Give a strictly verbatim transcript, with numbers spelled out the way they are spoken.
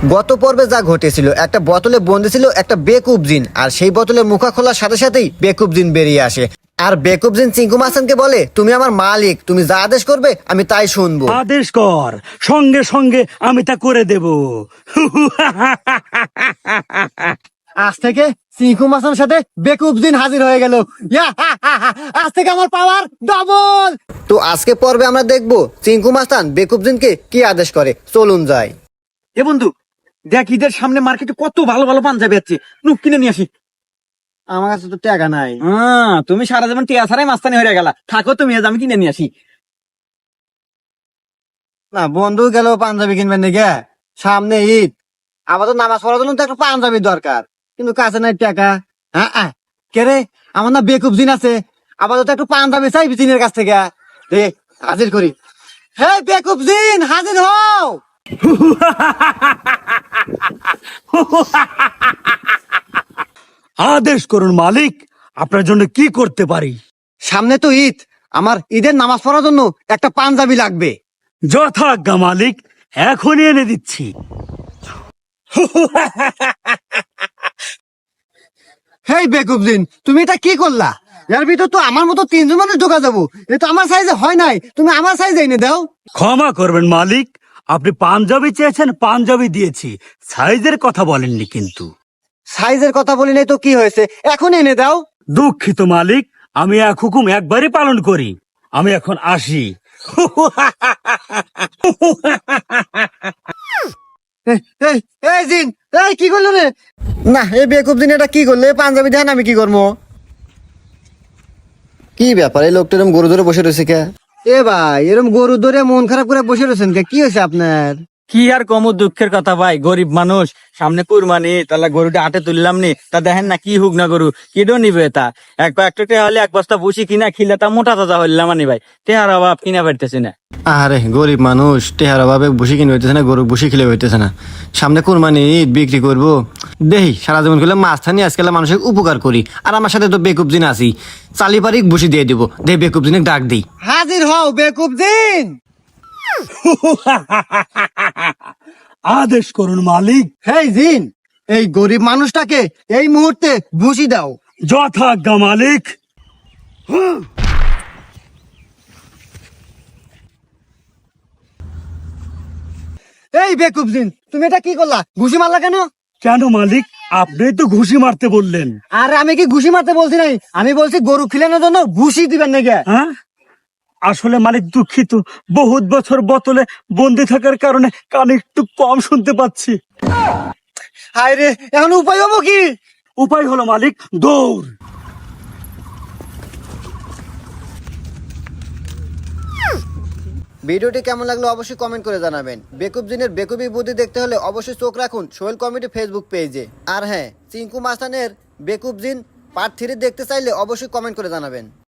গত পর্বে যা ঘটেছিল, একটা বোতলে বন্দি ছিল একটা বেকুব জিন, আর সেই বোতলে মুখা খোলার সাথে সাথেই বেকুব জিন বেরিয়ে আসে। আর বেকুব জিন চিঙ্কু মাস্তানকে বলে, তুমি আমার মালিক, তুমি যা আদেশ করবে আমি তাই শুনবো। আদেশ কর, সঙ্গে সঙ্গে আমি তা করে দেব। আজ থেকে চিঙ্কু মাস্তানের সাথে বেকুব জিন হাজির হয়ে গেল। আজ থেকে আমার পাওয়ার ডবল। তো আজকে পর্বে আমরা দেখবো চিঙ্কু মাস্তান বেকুব জিনকে কি আদেশ করে। চলুন যাই। এ বন্ধু, দেখ ঈদের সামনে মার্কেটে কত ভালো ভালো পাঞ্জাবি আছে, নুক কিনে নিয়ে আসি। আমার কাছে তো টাকা নাই। হ্যাঁ, তুমি সারা জীবন টিয়া ছাড়াই মাস্তানি হয়ে গেলা, থাকো তুমি, আজ আমি কিনে নিয়ে আসি। না, বন্ধু গেল পাঞ্জাবি কিনবেন নাকি? সামনে ঈদ, আবার তো নামাজ পড়ার জন্য তো একটা পাঞ্জাবি দরকার, কিন্তু কাছে নাই টাকা। হ্যাঁ কে রে, আমার না বেকুব জিন আছে, আবার তো একটু পাঞ্জাবি চাইবি জিনের কাছ থেকে। রে হাজির করি। হে বেকুব জিন, হাজির হও। আদেশ করুন মালিক, আপনার জন্য কি করতে পারি? সামনে তো ঈদ, আমার ঈদের নামাজ পড়ার জন্য একটা পাঞ্জাবি লাগবে। যথাজ্ঞা মালিক, এখনই এনে দিচ্ছি। হেই বেকুব জিন, তুমি এটা কি করলা? এর ভিতর তো আমার মতো তিনজন মানুষ ঢোকা যাবো, এটা তো আমার সাইজে হয় নাই, তুমি আমার সাইজে এনে দাও। ক্ষমা করবেন মালিক, আপনি পাঞ্জাবি চেয়েছেন, পাঞ্জাবি দিয়েছি, সাইজের কথা বলেননি কিন্তু। সাইজের কথা বলি নাই তো কি হয়েছে, এখন এনে দাও। দুঃখিত মালিক, আমি এক হুকুম একবারই পালন করি, আমি এখন আসি। এই, এই, এই জিন, এই কি করলো রে? না, এই বেকুব জিন এটা কি করলে? পাঞ্জাবি দেন, আমি কি করবো? কি ব্যাপার, এই লোকটা এরকম গরু ধরে বসে রয়েছে কে? এ ভাই, এরকম গরু ধরে মন খারাপ করে বসে রয়েছেন কে? কি হয়েছে আপনার? কি আর কম দুঃখের কথা ভাই, গরিব মানুষ, সামনে কুরবানি, তাহলে গরুটা হাটে তুললাম নি, তা দেখেন না কি হুক না গরু, কিডো নিবে তা। এক একটা হলে এক বস্তা বসি কিনা খিলে তা মোটা তাজা হইলাম আনি ভাই, টেহার অভাব কিনা পারতেছি না। আরে গরিব মানুষ, টেহার অভাবে বসে কিনে হইতেছে না, গরু বসে খেলে হইতেছে না। সামনে কোরবানি ঈদ, বিক্রি করবো দেহি, সারা জীবন খেলে মাছ থানি, আজকাল মানুষের উপকার করি। আর আমার সাথে তো বেকুব জিন আছি, চালি পারি বসে দিয়ে দিব। দে বেকুব জিনে ডাক দিই। হাজির হও বেকুব জিন। আদেশ করুন মালিক। হেই জিন, এই গরিব মানুষটাকে এই মুহূর্তে ভুসি দাও। যথাজ্ঞা মালিক। এই বেকুব জিন, তুমি এটা কি করলা? ঘুষি মারলা কেন? কেন মালিক, আপনি তো ঘুষি মারতে বললেন। আর আমি কি ঘুষি মারতে বলছি নাই, আমি বলছি গরু খিলানোর জন্য ভুসি দিবেন নাকি? হ্যাঁ, আসলে মালিক দুঃখিত, বহুত বছর বোতলে বন্দি থাকার কারণে কানে একটু কম শুনতে পাচ্ছি। হায় রে, এখন উপায় হবো কি? উপায় হলো মালিক, দৌড়। ভিডিওটি কেমন লাগলো অবশ্যই কমেন্ট করে জানাবেন। বেকুব জিনের বেকুবি বুদ্ধি দেখতে হলে অবশ্যই চোখ রাখুন সোহেল কমেডি ফেসবুক পেজে। আর হ্যাঁ, চিঙ্কু মাস্তানের বেকুব জিন পার্ট থ্রি দেখতে চাইলে অবশ্যই কমেন্ট করে জানাবেন।